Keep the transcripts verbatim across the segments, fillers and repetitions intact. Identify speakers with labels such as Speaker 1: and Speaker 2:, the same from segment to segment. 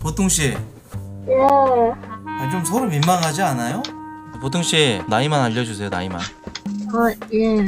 Speaker 1: 보통씨,
Speaker 2: 예.
Speaker 1: 아, 좀 서로 민망하지 않아요? 보통씨, 나이만 알려주세요. 나이만.
Speaker 2: 어, 예.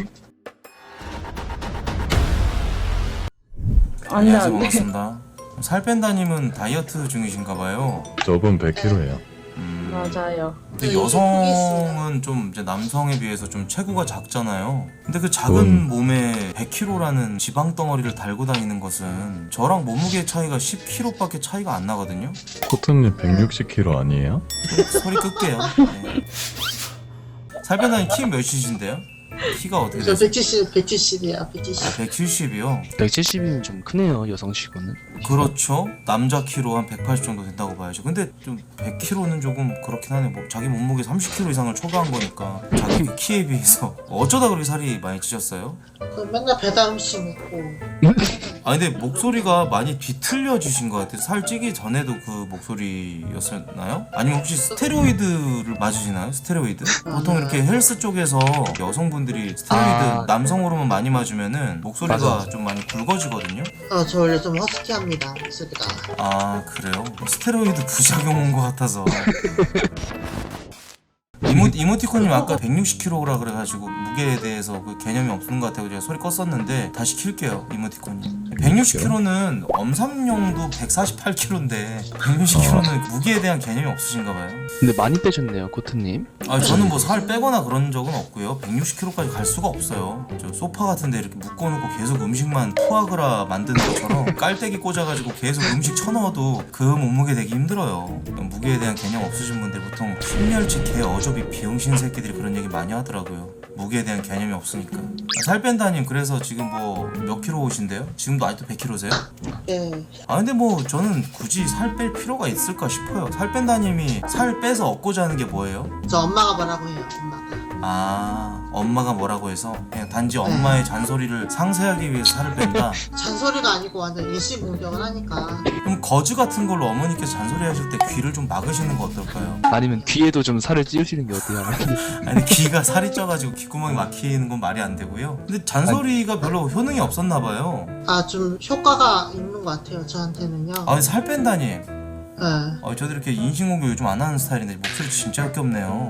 Speaker 2: 안 돼,
Speaker 1: 안녕하세요.
Speaker 2: 안 돼.
Speaker 1: 반갑습니다. 살 뺀다님은 다이어트 중이신가봐요.
Speaker 3: 저분 백 킬로그램예요.
Speaker 1: 음,
Speaker 2: 맞아요.
Speaker 1: 근데 여성은 좀 이제 남성에 비해서 좀 체구가 작잖아요. 근데 그 작은
Speaker 3: 음.
Speaker 1: 몸에 백 킬로그램라는 지방 덩어리를 달고 다니는 것은 저랑 몸무게 차이가 십 킬로그램밖에 차이가 안 나거든요.
Speaker 3: 코트님 백육십 킬로그램 아니에요?
Speaker 1: 소리 끌게요. 네. 살 뺀다님 키 몇이신데요? 키가 어떻게
Speaker 4: 저
Speaker 1: 되세요?
Speaker 4: 백칠십, 백칠십이야, 백칠십.
Speaker 1: 아, 백칠십이요?
Speaker 5: 백칠십이면 좀 크네요, 여성치고는.
Speaker 1: 그렇죠. 남자 키로 한 백팔십 정도 된다고 봐야죠. 근데 좀 백 킬로그램는 조금 그렇긴 하네. 뭐 자기 몸무게 삼십 킬로그램 이상을 초과한 거니까 자기 키에 비해서 어쩌다 그렇게 살이 많이 찌셨어요?
Speaker 4: 그 맨날 배달 음식 먹고.
Speaker 1: 아 근데 목소리가 많이 뒤틀려지신 것 같아요. 살 찌기 전에도 그 목소리였었나요? 아니면 혹시 스테로이드를 맞으시나요? 스테로이드? 보통 이렇게 헬스 쪽에서 여성분들이 스테로이드
Speaker 5: 아.
Speaker 1: 남성 호르몬 많이 맞으면은 목소리가
Speaker 5: 맞아.
Speaker 1: 좀 많이 굵어지거든요.
Speaker 4: 아, 저 원래 좀 허스키합니다, 목소리가.
Speaker 1: 아 그래요? 스테로이드 부작용 온 것 같아서. 이모, 이모티콘님 아까 백육십 킬로그램라 그래가지고 무게에 대해서 그 개념이 없는 것 같아요. 제가 소리 껐었는데 다시 킬게요. 이모티콘님 백육십 킬로그램는 엄삼룡도 백사십팔 킬로그램인데 백육십 킬로그램는 무게에 대한 개념이 없으신가 봐요.
Speaker 5: 근데 많이 빼셨네요, 코트님.
Speaker 1: 아 저는 뭐 살 빼거나 그런 적은 없고요. 백육십 킬로그램까지 갈 수가 없어요. 저 소파 같은데 이렇게 묶어놓고 계속 음식만 푸아그라 만드는 것처럼 깔때기 꽂아가지고 계속 음식 쳐넣어도 그 몸무게 되기 힘들어요. 무게에 대한 개념 없으신 분들 보통 신멸치 개 어조비 비용신 새끼들이 그런 얘기 많이 하더라고요. 무게에 대한 개념이 없으니까. 아, 살 뺀다님 그래서 지금 뭐 몇 킬로 오신데요? 지금도 아직도 백 킬로세요?
Speaker 4: 예.
Speaker 1: 아 근데 뭐 저는 굳이 살 뺄 필요가 있을까 싶어요. 살 뺀다님이 살 빼서 얻고자 하는 게 뭐예요?
Speaker 4: 저 엄마가 뭐라고 해요, 엄마가.
Speaker 1: 아 엄마가 뭐라고 해서 그냥 단지 엄마의 잔소리를 상쇄하기 위해서 살을 뺀다.
Speaker 4: 잔소리가 아니고 완전 일시 공격을 하니까.
Speaker 1: 그럼 거즈 같은 걸로 어머니께서 잔소리 하실 때 귀를 좀 막으시는 거 어떨까요?
Speaker 5: 아니면 귀에도 좀 살을 찌우시는 게 어때요?
Speaker 1: 아니 귀가 살이 쪄가지고 귓구멍이 막히는 건 말이 안 되고요. 근데 잔소리가 별로 효능이 없었나 봐요.
Speaker 4: 아, 좀 효과가 있는 것 같아요, 저한테는요.
Speaker 1: 아 살 뺀다님.
Speaker 4: 예.
Speaker 1: 아 저도 이렇게 인신공격 요즘 안 하는 스타일인데 목소리 진짜 역겹네요.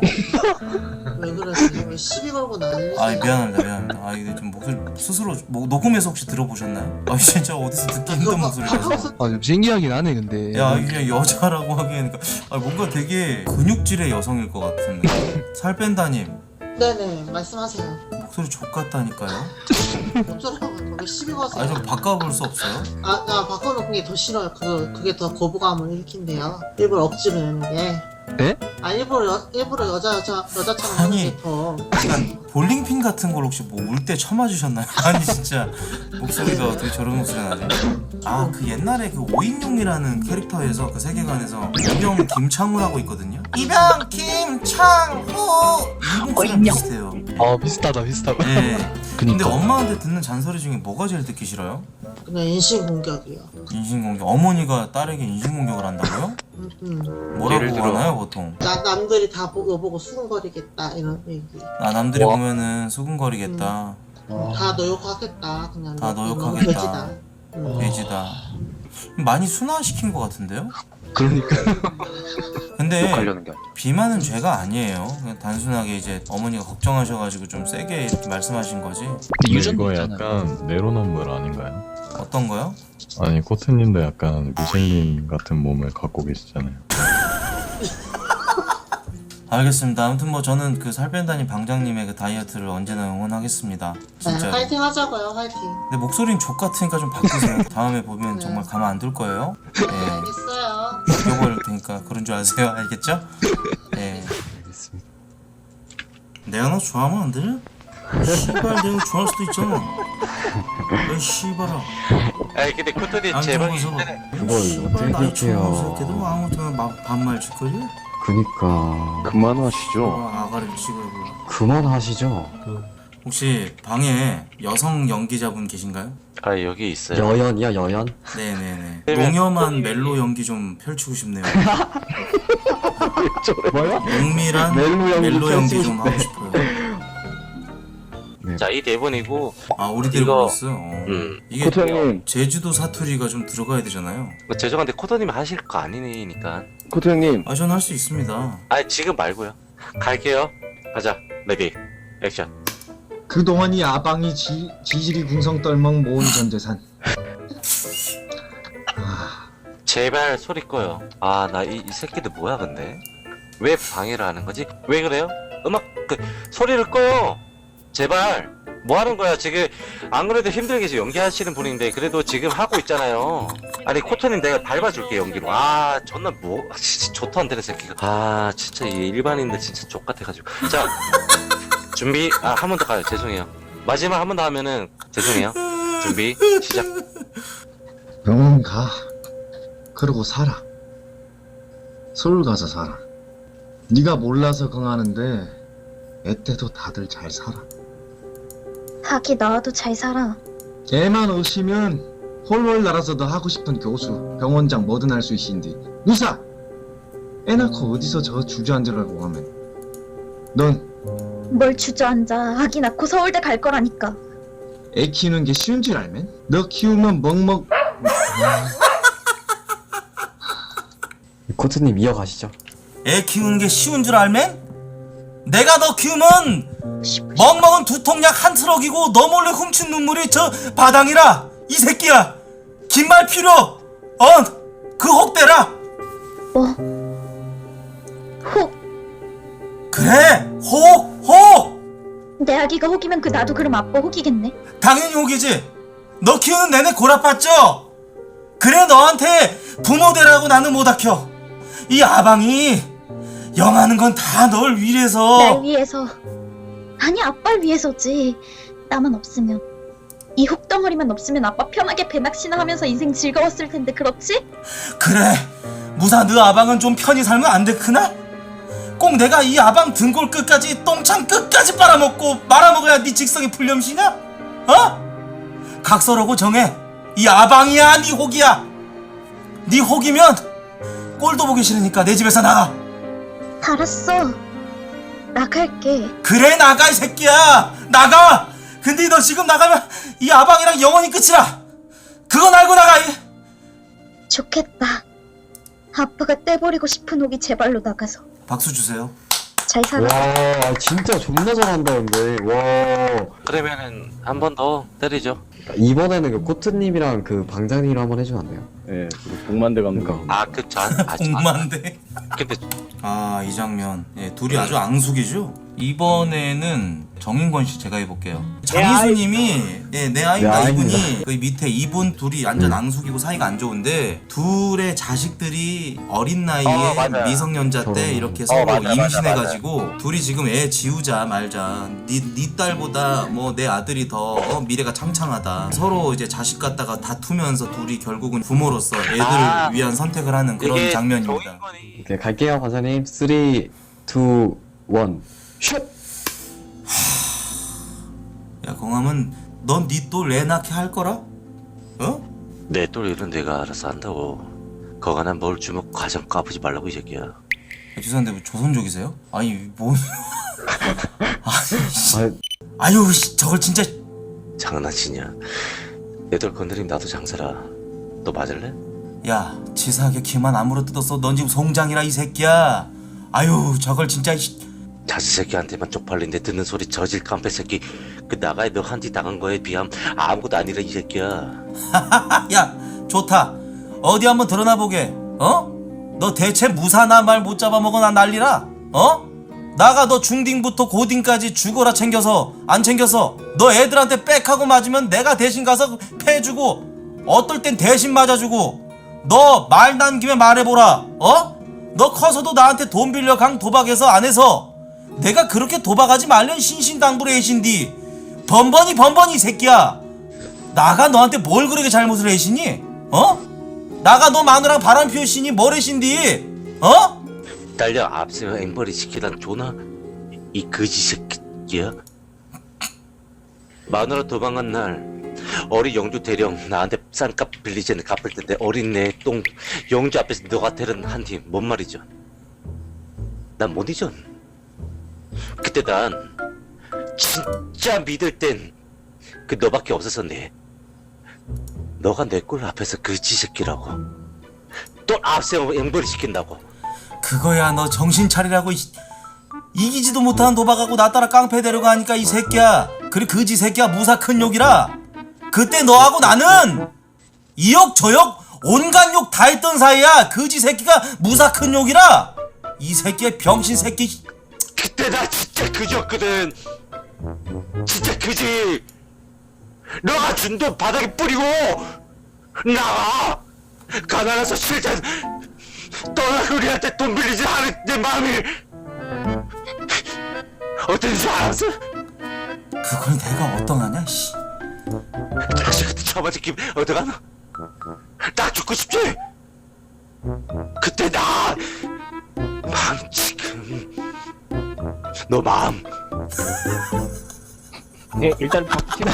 Speaker 4: 왜 그러세요? 왜 시비 걸고 난리세요?
Speaker 1: 아 미안합니다 미안합니다. 아 이게 좀 목소리 스스로 뭐, 녹음해서 혹시 들어보셨나요? 아 진짜 어디서 듣기 힘든 목소리라서.
Speaker 5: 아, 좀 신기하긴 하네, 근데.
Speaker 1: 야 이게 그냥 여자라고 하기에는 아, 뭔가 되게 근육질의 여성일 것 같은데. 살 뺀다님
Speaker 4: 네네, 말씀하세요.
Speaker 1: 목소리 족같다니까요.
Speaker 4: 어쩌라고 왜 시비 거세요?
Speaker 1: 아니 좀 바꿔볼 수 없어요?
Speaker 4: 아, 나 바꿔놓은 게 더 싫어요. 그거, 그게 더 거부감을 일으킨대요. 일부러 억지로 내는 게.
Speaker 5: 네?
Speaker 4: 아, 일부러, 여, 일부러 여자, 여자, 여자처럼
Speaker 1: 아니.
Speaker 4: 하는 게 더.
Speaker 1: 약간 볼링핀 같은 걸 혹시 뭐 울 때 쳐맞으셨나요? 아니 진짜 목소리가 어떻게 저런 목소리가 나지? 아 그 옛날에 그 오인용이라는 캐릭터에서 그 세계관에서 이병 김창우라고 있거든요. 이병 김창우 이 목소리랑 비슷해요.
Speaker 5: 아, 비슷하다, 비슷하다.
Speaker 1: 네. 근데
Speaker 5: 그니까.
Speaker 1: 엄마한테 듣는 잔소리 중에 뭐가 제일 듣기 싫어요?
Speaker 4: 그냥 인신공격이요.
Speaker 1: 인신공격. 어머니가 딸에게 인신공격을 한다고요?
Speaker 4: 음, 음.
Speaker 1: 뭐라고
Speaker 6: 예를 들어.
Speaker 1: 하나요 보통?
Speaker 4: 나, 남들이 다 보고, 보고 수근거리겠다, 이런 얘기.
Speaker 1: 아 남들이
Speaker 5: 와.
Speaker 1: 보면은 수근거리겠다.
Speaker 4: 다 너 욕하겠다, 그냥.
Speaker 1: 다
Speaker 4: 너,
Speaker 1: 너
Speaker 4: 너무
Speaker 1: 욕하겠다.
Speaker 4: 돼지다. 음.
Speaker 1: 돼지다. 많이 순화시킨 것 같은데요?
Speaker 5: 그러니까.
Speaker 1: 근데
Speaker 6: 욕하려는 게 아니라.
Speaker 1: 비만은 죄가 아니에요. 그냥 단순하게 이제 어머니가 걱정하셔가지고 좀 세게 이렇게 말씀하신 거지.
Speaker 5: 근데
Speaker 3: 근데
Speaker 5: 유전도
Speaker 3: 이거
Speaker 5: 있잖아요.
Speaker 3: 약간 내로남불 아닌가요?
Speaker 1: 어떤 거요?
Speaker 3: 아니 코트님도 약간 미생님 같은 몸을 갖고 계시잖아요.
Speaker 1: 알겠습니다. 아무튼 뭐 저는 그 살 뺀다님 방장님의 그 다이어트를 언제나 응원하겠습니다.
Speaker 4: 네,
Speaker 1: 진짜.
Speaker 4: 파이팅 하자고요, 파이팅.
Speaker 1: 근데 목소리는 족 같으니까 좀 바꾸세요. 다음에 보면
Speaker 4: 네.
Speaker 1: 정말 가만 안 둘 거예요. 예.
Speaker 4: 알겠어요.
Speaker 1: 죽여버릴 테니까 그런 줄 아세요? 알겠죠? 예. 내가 너 좋아하면 안 돼? 씨발 내가 좋아할 수도 있잖아. 왜 씨발아?
Speaker 6: 아니 근데 코토님
Speaker 1: 안
Speaker 6: 제발
Speaker 1: 좋아서
Speaker 7: 그걸
Speaker 1: 씨발
Speaker 7: 어떻게
Speaker 1: 나이 좋은
Speaker 7: 그렇게요.
Speaker 1: 새끼들 아무튼 막 반말 짓거리?
Speaker 7: 그니까
Speaker 6: 그만하시죠.
Speaker 1: 어, 아가리를 찍어고.
Speaker 7: 그만하시죠.
Speaker 1: 혹시 방에 여성 연기자분 계신가요?
Speaker 6: 아 여기 있어요.
Speaker 7: 여연이야 여연.
Speaker 1: 네네네. 농염한 멜로 연기 좀 펼치고 싶네요.
Speaker 7: 뭐야?
Speaker 1: 농밀한
Speaker 7: 멜로 연기
Speaker 1: 멜로 연기
Speaker 7: 펼치고
Speaker 1: 좀 하고 싶어요.
Speaker 7: 네 대본.
Speaker 6: 자, 이 대본이고,
Speaker 1: 아 우리
Speaker 6: 이거-
Speaker 1: 데려오셨어요. 어.
Speaker 6: 음.
Speaker 1: 이게
Speaker 3: 코트 형님,
Speaker 1: 제주도 사투리가 좀 들어가야 되잖아요.
Speaker 6: 뭐 죄송한데 코더님이 하실 거 아니니까.
Speaker 3: 코트 형님.
Speaker 1: 아 전 할 수 있습니다.
Speaker 6: 아, 지금 말고요. 갈게요. 가자. 레디. 액션.
Speaker 8: 그동안 이 아방이 지, 지질이 궁성 떨멍 모은 전 재산. 아,
Speaker 6: 제발 소리 꺼요. 아, 나 이 이 새끼들 뭐야 근데? 왜 방해를 하는 거지? 왜 그래요? 음악 그 소리를 꺼요. 제발. 뭐 하는 거야 지금? 안 그래도 힘들게 지금 연기하시는 분인데 그래도 지금 하고 있잖아요. 아니 코토님 내가 밟아줄게 연기로. 아 존나 뭐 아, 진짜 좋도 안 되는 새끼가. 아 진짜 이 일반인들 진짜 족 같아가지고. 자 준비. 아 한 번 더 가요. 죄송해요. 마지막 한 번 더 하면은 죄송해요. 준비 시작.
Speaker 8: 병원 가. 그러고 살아. 서울 가서 살아. 네가 몰라서 긍하는데 애때도 다들 잘 살아.
Speaker 2: 하기 나와도 잘 살아.
Speaker 8: 걔만 오시면 홀월 날아서 너 하고 싶은 교수, 병원장 뭐든 할 수 있신디. 무사! 애 낳고 어디서 저 주저앉으라고 하면. 넌
Speaker 2: 뭘 주저앉아. 하기 낳고 서울대 갈 거라니까.
Speaker 8: 애 키우는 게 쉬운 줄 알면? 너 키우면 먹먹.
Speaker 7: 코트님 이어가시죠.
Speaker 1: 애 키우는 게 쉬운 줄 알면? 내가 너 키우면 멍멍은 두통약 한 트럭이고 너 몰래 훔친 눈물이 저 바당이라. 이 새끼야 긴 말 필요. 어그 혹대라.
Speaker 2: 뭐? 혹.
Speaker 1: 그래 혹 혹.
Speaker 2: 내 아기가 혹이면 그 나도 그럼 아빠 혹이겠네.
Speaker 1: 당연히 혹이지. 너 키우는 내내 골아팠죠? 그래 너한테 부모 되라고 나는 못 아껴. 이 아방이 영하는 건 다 널 위해서.
Speaker 2: 날 위해서. 아니 아빠를 위해서지. 나만 없으면. 이 혹덩어리만 없으면 아빠 편하게 배낚시나 하면서 인생 즐거웠을 텐데 그렇지?
Speaker 1: 그래 무사 너 아방은 좀 편히 살면 안 되크나? 꼭 내가 이 아방 등골 끝까지 똥창 끝까지 빨아먹고 말아먹어야 네 직성이 풀렴시냐? 어? 각서라고 정해. 이 아방이야 네 혹이야. 네 혹이면 꼴도 보기 싫으니까 내 집에서 나가.
Speaker 2: 알았어. 나갈게.
Speaker 1: 그래 나가 이 새끼야 나가. 근데 너 지금 나가면 이 아방이랑 영원히 끝이라. 그건 알고 나가. 이.
Speaker 2: 좋겠다. 아빠가 떼버리고 싶은 혹이 제 발로 나가서.
Speaker 1: 박수 주세요.
Speaker 2: 잘 살아.
Speaker 7: 와 진짜 존나 잘한다 근데. 와
Speaker 6: 그러면은 한 번 더 때리죠.
Speaker 7: 이번에는 그 코트님이랑 그 방장님이랑 한번 해주면 안 돼요?
Speaker 3: 예, 복만대 감독.
Speaker 7: 그러니까.
Speaker 6: 아 그 전. 아, 전-
Speaker 1: 공만데.
Speaker 6: 근데
Speaker 1: 아 이 장면 예, 둘이 아주 앙숙이죠. 이번에는 정인권 씨 제가 해볼게요. 장희수님이 예, 내 아이입니다.
Speaker 7: 내
Speaker 1: 이분이
Speaker 7: 아이입니다.
Speaker 1: 그 밑에 이분 둘이 완전 앙숙이고 사이가 안 좋은데 둘의 자식들이 어린 나이에
Speaker 6: 어, 맞아요.
Speaker 1: 미성년자 때
Speaker 7: 결혼.
Speaker 1: 이렇게
Speaker 6: 어,
Speaker 1: 서로
Speaker 6: 맞아, 맞아,
Speaker 1: 임신해가지고 둘이 지금 애 지우자 말자. 네, 네 딸보다 뭐 내 아들이 더 어, 미래가 창창하다. 서로 이제 자식 갖다가 다투면서 둘이 결국은 부모로서 애들을
Speaker 6: 아,
Speaker 1: 위한 선택을 하는 그런
Speaker 6: 이게
Speaker 1: 장면입니다.
Speaker 6: 정인권이
Speaker 7: 오케이 갈게요 관사님. 삼, 이, 일 슛!
Speaker 1: 야 공함은 넌 니 또 애 낳게 할 거라? 어?
Speaker 6: 내 똘 일은 내가 알아서 한다고. 거간한 뭘 주먹 과정 까부지 말라고 이 새끼야.
Speaker 1: 야, 죄송한데 뭐 조선족이세요? 아니 뭐 아니, 씨.
Speaker 7: 아,
Speaker 1: 아유 씨, 저걸 진짜.
Speaker 6: 장난치냐? 내 똘 건드리면 나도 장사라. 너 맞을래?
Speaker 1: 야 치사하게 키만 아무로 뜯었어. 넌 지금 송장이라 이 새끼야. 아유 저걸 진짜.
Speaker 6: 자식 새끼한테만 쪽팔린데 듣는 소리 저질 깡패 새끼. 그 나가에 너 한지 당한 거에 비하면 아무것도 아니라 이 새끼야.
Speaker 1: 야 좋다. 어디 한번 드러나 보게. 어? 너 대체 무사나 말 못 잡아먹어 나 난리라. 어? 나가 너 중딩부터 고딩까지 죽어라 챙겨서 안 챙겨서 너 애들한테 빽하고 맞으면 내가 대신 가서 패주고 어떨 땐 대신 맞아주고. 너 말 난 김에 말해보라. 어? 너 커서도 나한테 돈 빌려 강 도박해서 안 해서 내가 그렇게 도박하지 말련 신신당부를 해신디 번번이 번번이 이 새끼야. 나가 너한테 뭘 그렇게 잘못을 해시니? 어? 나가 너 마누랑 바람 피우시니 뭘 해신디? 어?
Speaker 6: 딸려 앞서 앵벌이 시키던 조나 이 거지 새끼야. 마누라 도망간 날 어린 영주 대령 나한테 싼 값 빌리지 갚을 텐데 어린 내 똥 영주 앞에서 너가 때린 한 팀 뭔 말이죠? 난 못 잊어. 그때 난 진짜 믿을 땐 그 너밖에 없었었네. 너가 내 꼴 앞에서 그 지새끼라고 또 앞세워 앵벌이 시킨다고.
Speaker 1: 그거야 너 정신 차리라고. 이, 이기지도 못하는 도박하고 나 따라 깡패 데려가니까 이 새끼야. 그래 그지 새끼야 무사 큰 욕이라. 그때 너하고 나는 이욕 저욕 온갖 욕 다 했던 사이야. 그지 새끼가 무사 큰 욕이라. 이 새끼의 병신 새끼.
Speaker 6: 그때 나 진짜 그지였거든. 진짜 그지. 너가 준 돈 바닥에 뿌리고 나가 가난해서 실전 떠날 우리한테 돈 빌리지 않은 내 마음이 어땠는지 알았어?
Speaker 1: 그걸 내가 어떠하냐 씨.
Speaker 6: 자식한테 처맞은 기분 어떡하나? 나 죽고 싶지? 그때 나 마음 지금 너 마음
Speaker 5: 네, 일단 바퀴나.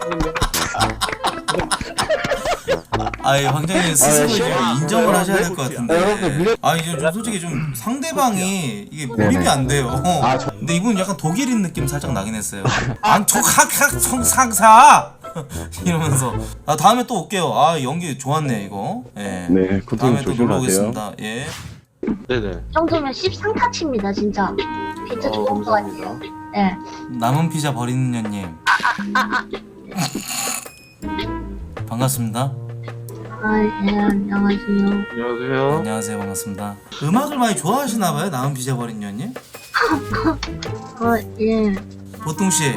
Speaker 1: 아이 황장님 스스로 좀 인정을 하셔야 될 것 같은데. 아 이제 좀 솔직히 좀 상대방이 이게 몰입이 안 돼요. 근데 이분 약간 독일인 느낌 살짝 나긴 했어요. 안촉학학 성상사 이러면서. 아 다음에 또 올게요. 아 연기 좋았네 이거. 예.
Speaker 3: 네, 코트님
Speaker 1: 다음에 또 놀러
Speaker 3: 조심하세요.
Speaker 1: 오겠습니다. 예.
Speaker 9: 네네.
Speaker 2: 이 정도면 십삼 타치입니다 진짜. 비트
Speaker 9: 어,
Speaker 2: 좋은 거
Speaker 9: 감사합니다.
Speaker 2: 같아요. 네.
Speaker 1: 남은 피자 버리는 년님. 반갑습니다.
Speaker 2: 아, 네, 안녕하세요.
Speaker 9: 안녕하세요.
Speaker 1: 안녕하세요. 반갑습니다. 음악을 많이 좋아하시나봐요. 남은 피자 버린 년님.
Speaker 2: 어, 예.
Speaker 1: 보통 씨.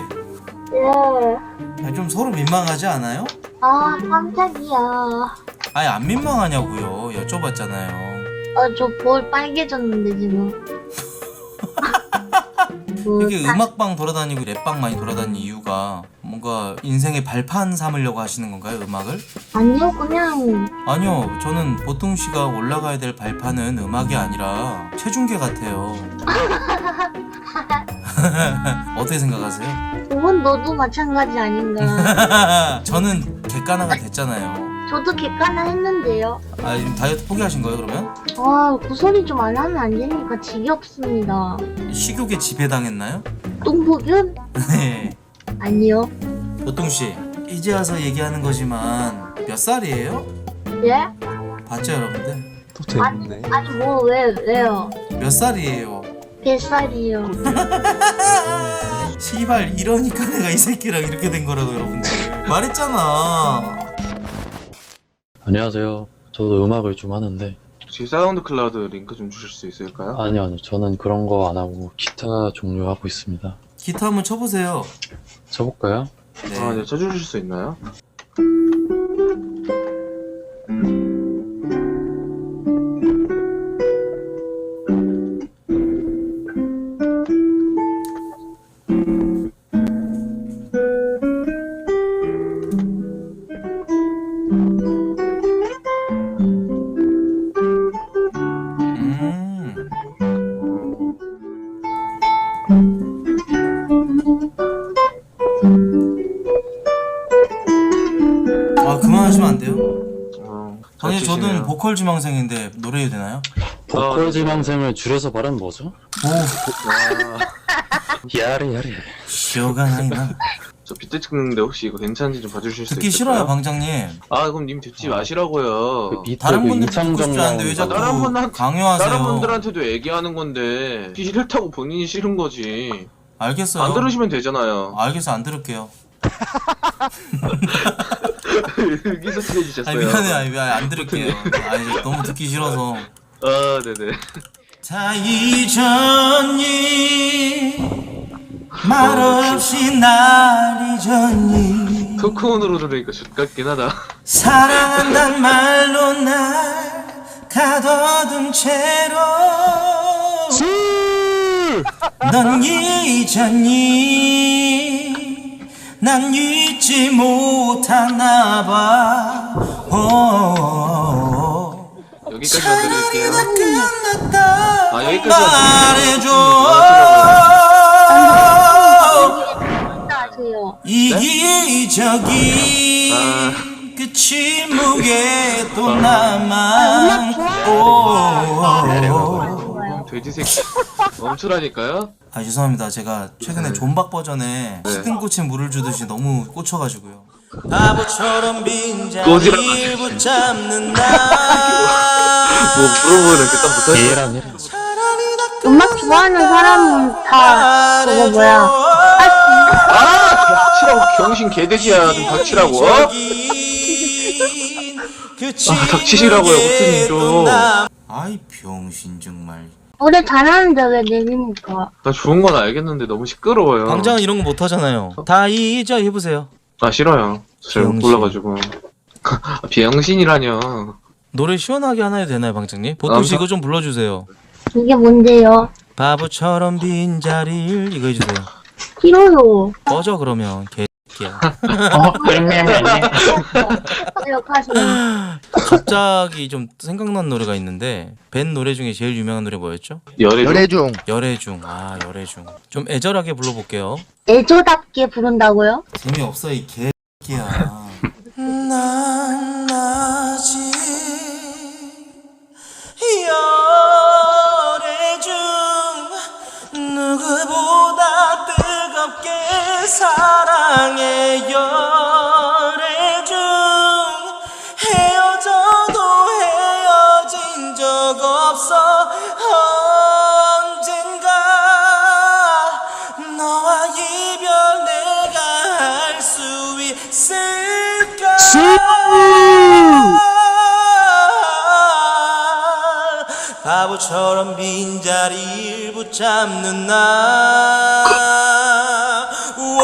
Speaker 2: 예.
Speaker 1: 좀 서로 민망하지 않아요?
Speaker 2: 아, 깜짝이야.
Speaker 1: 아니 안 민망하냐고요. 여쭤봤잖아요.
Speaker 2: 아, 저 볼 빨개졌는데, 지금. 그,
Speaker 1: 이게 음악방 돌아다니고 랩방 많이 돌아다니는 이유가 뭔가 인생의 발판 삼으려고 하시는 건가요? 음악을?
Speaker 2: 아니요, 그냥.
Speaker 1: 아니요. 저는 보통 씨가 올라가야 될 발판은 음악이 아니라 체중계 같아요. 어떻게 생각하세요?
Speaker 2: 그건 너도 마찬가지 아닌가.
Speaker 1: 저는 객관화가 됐잖아요.
Speaker 2: 저도 객관화 했는데요.
Speaker 1: 아 지금 다이어트 포기하신 거예요 그러면?
Speaker 2: 아, 그 소리 좀 안 하면 안 되니까 지겹습니다.
Speaker 1: 식욕에 지배당했나요?
Speaker 2: 똥복은?
Speaker 1: 네.
Speaker 2: 아니요.
Speaker 1: 보통 씨 이제 와서 얘기하는 거지만 몇 살이에요?
Speaker 2: 예?
Speaker 1: 봤죠 여러분들?
Speaker 5: 또 재밌네.
Speaker 2: 아니, 뭐, 왜, 왜요?
Speaker 1: 몇 살이에요?
Speaker 2: 뱃살이요.
Speaker 1: 시발 이러니까 내가 이 새끼랑 이렇게 된 거라고 여러분들. 말했잖아.
Speaker 7: 안녕하세요. 저도 음악을 좀 하는데.
Speaker 9: 혹시 사운드 클라우드 링크 좀 주실 수 있을까요?
Speaker 7: 아니요, 아니요. 저는 그런 거 안 하고 기타 종류 하고 있습니다.
Speaker 1: 기타 한번 쳐보세요.
Speaker 7: 쳐볼까요?
Speaker 1: 네.
Speaker 9: 아, 네, 쳐주실 수 있나요?
Speaker 1: 아 그만하시면 안 돼요?
Speaker 9: 어,
Speaker 1: 아니
Speaker 9: 잘
Speaker 1: 저는
Speaker 9: 치시네요.
Speaker 1: 보컬 지망생인데 노래해도 되나요?
Speaker 7: 보컬 지망생을 줄여서 말하면 뭐죠?
Speaker 1: 오
Speaker 9: 아,
Speaker 7: 야래 야래.
Speaker 1: 시어가 나이나.
Speaker 9: 저 비트 찍는데 혹시 이거 괜찮은지 좀 봐주실 수
Speaker 1: 듣기
Speaker 9: 있을까요?
Speaker 1: 싫어요 방장님.
Speaker 9: 아, 그럼 님 듣지 마시라고요.
Speaker 7: 그 비트
Speaker 1: 다른
Speaker 7: 그
Speaker 1: 분들 듣고
Speaker 7: 이창정
Speaker 1: 싶지 않은데 왜
Speaker 7: 나오는
Speaker 1: 자꾸
Speaker 9: 다른 분한테-
Speaker 1: 강요하세요?
Speaker 9: 다른 분들한테도 얘기하는 건데 싫다고 본인이 싫은 거지.
Speaker 1: 알겠어요.
Speaker 9: 안 들으시면 되잖아요.
Speaker 1: 알겠어 안 들을게요.
Speaker 9: 여기서 틀어주셨어요.
Speaker 1: 아니 미안해 아니 미안해 안 들을게요. 아니 이제 너무 듣기 싫어서.
Speaker 9: 아, 네네.
Speaker 1: 다 잊었니 말없이 날 잊었니
Speaker 9: 토크온으로 들으니까 좋같긴 하다.
Speaker 1: 사랑한단 말로 날 가둬둔 채로 넌 잊었니 난 잊지 못하나 봐 오,
Speaker 9: 여기까지만 들을게요.
Speaker 1: 끝났다
Speaker 9: 아, 여기까지만
Speaker 1: 말해줘
Speaker 2: 하세요.
Speaker 1: 이기적인
Speaker 9: 아.
Speaker 1: 그 침묵에 또
Speaker 2: 아,
Speaker 1: 남아
Speaker 2: 음악 좋아요.
Speaker 1: 오,
Speaker 2: 좋아요.
Speaker 9: 돼지 새끼 멈추라니까요.
Speaker 1: 아 죄송합니다. 제가 최근에
Speaker 9: 네.
Speaker 1: 존박 버전에
Speaker 9: 네.
Speaker 1: 식은 꽃에 물을 주듯이 너무 꽂혀가지고요. 바보처럼
Speaker 9: 꼬지라.
Speaker 1: 빈자리를 붙잡는 나.
Speaker 9: 뭐 물어보는 그딱 붙어.
Speaker 7: 얘랑 얘랑.
Speaker 2: 음악 좋아하는 사람은 다 그거 뭐야
Speaker 9: 아 닥치라고 병신 개돼지야 좀 닥치라고. 어? 아 닥치시라고요 코트님 좀.
Speaker 1: 아이 병신 정말.
Speaker 2: 노래 잘하는데 왜 내립니까?
Speaker 9: 나 좋은 건 알겠는데 너무 시끄러워요.
Speaker 1: 방장은 이런 거 못하잖아요. 다 잊어 해보세요.
Speaker 9: 아 싫어요. 잘 못
Speaker 1: 비영신.
Speaker 9: 불러가지고. 아, 비영신이라뇨.
Speaker 1: 노래 시원하게 하나 해도 되나요, 방장님? 보통 씨
Speaker 9: 아,
Speaker 1: 이거 좀 불러주세요.
Speaker 2: 이게 뭔데요?
Speaker 1: 바보처럼 빈자리를 이거 해주세요.
Speaker 2: 싫어요.
Speaker 1: 꺼져 그러면 개새끼야.
Speaker 2: 역하시네.
Speaker 1: 갑자기 좀 생각난 노래가 있는데 밴 노래 중에 제일 유명한 노래 뭐였죠?
Speaker 9: 열애.
Speaker 5: 열애중.
Speaker 1: 열애중. 아 열애중. 좀 애절하게 불러볼게요.
Speaker 2: 애조답게 부른다고요?
Speaker 1: 재미없어 이 개새끼야. 난 아직 열애중 누구보다 뜨겁게 사랑해 열애중 헤어져도 헤어진 적 없어 언젠가 너와 이별 내가 할 수 있을까 바보처럼 빈자리를 붙잡는 나 오,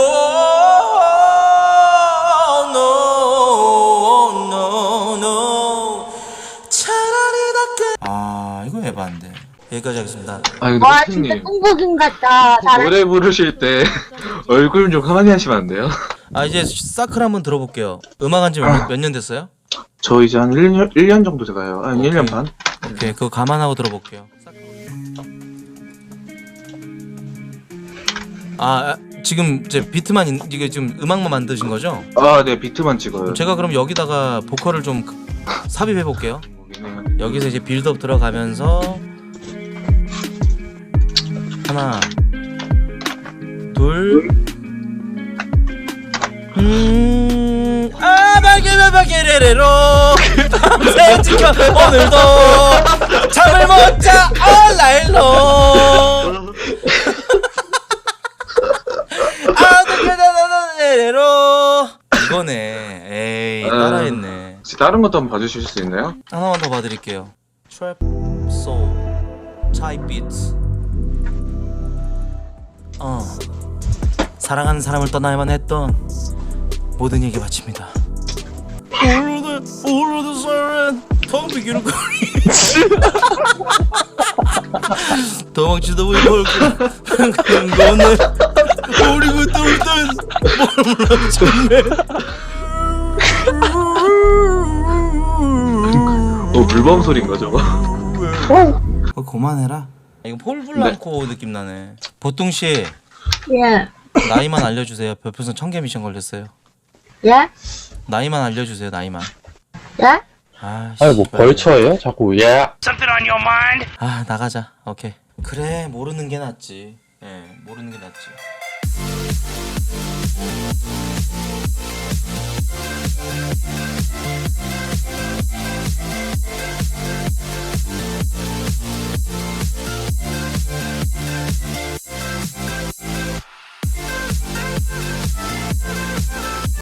Speaker 1: no, no, no. 차라리 다 끝. 아 이거 에반데. 여기까지 하겠습니다.
Speaker 9: 아 근데
Speaker 2: 와 진짜
Speaker 9: 코트님
Speaker 2: 똥복인 같다. 잘하...
Speaker 9: 노래 부르실 때 얼굴 좀 가만히 하시면 안 돼요?
Speaker 1: 아 이제 사클 한번 들어볼게요. 음악 한지 몇 년 됐어요?
Speaker 9: 저 이제 한 일 년, 일 년 정도 돼가요. 아니 일 년 반?
Speaker 1: 오케이 그거 감안하고 들어볼게요. 아 지금 이제 비트만 있- 이게 지금 음악만 만드신 거죠?
Speaker 9: 아 네 비트만 찍어요.
Speaker 1: 제가 그럼 여기다가 보컬을 좀 삽입해 볼게요.
Speaker 9: 거기네요.
Speaker 1: 여기서 이제 빌드업 들어가면서 하나 둘 음, 아, 바게바 바게레레로 밤새 지켜 오늘도 잠을 못 자 얼라일로 아드게다다다레로 이거네. 에이 따라했네.
Speaker 9: 혹시 다른 것도 한번 봐주실 수 있나요?
Speaker 1: 하나만 더 봐드릴게요. 트랩 소울 타입 비트. 어 사랑하는 사람을 떠나야만 했던 모든 얘기 바칩니다. 오르드 오르드 소렌 텅비기는 거리 도망치다 보니 벌금 그런 거는 오리고 뚫던 몰라 정말.
Speaker 9: 어 물범 소리인가 저거?
Speaker 1: 어, 그만해라. 이거 폴블랑코 느낌 나네. 보통 씨
Speaker 2: 예.
Speaker 1: 나이만 알려주세요. 별풍선 천 개 미션 걸렸어요.
Speaker 2: 예?
Speaker 1: 나이만 알려주세요. 나이만.
Speaker 2: 예?
Speaker 1: 아,
Speaker 7: 아니 뭐
Speaker 1: 씨발.
Speaker 7: 벌쳐예요? 자꾸 예.
Speaker 1: 아 나가자. 오케이. 그래 모르는 게 낫지. 예, 모르는 게 낫지.